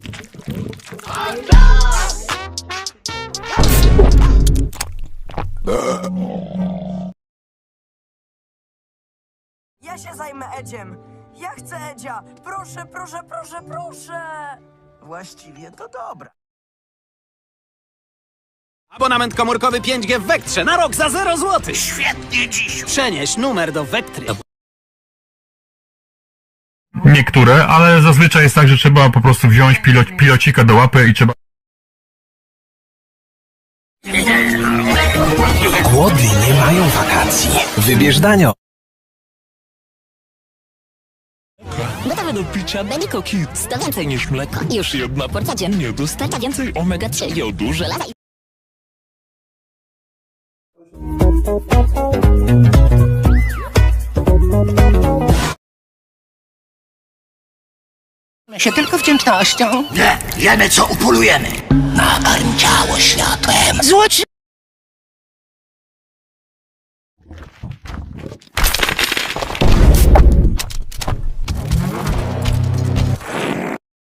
Ja się zajmę Edziem. Ja chcę Edzia. Proszę, proszę, proszę, proszę. Właściwie to dobra. Abonament komórkowy 5G w Vectrze na rok za 0 zł. Świetnie dziś. Przenieś numer do Vectry. Niektóre, ale zazwyczaj jest tak, że trzeba po prostu wziąć pilocika do łapy i trzeba... Głodni nie mają wakacji. Wybierz danio. Gotowe do picia Daniko Kids. To więcej niż mleko. Już jedna porcja dziennie dostarcza więcej omega-3 jodu, żelaza i... się tylko wdzięcznością. Nie, wiemy co upolujemy. Nakarm ciało światłem. Złoci...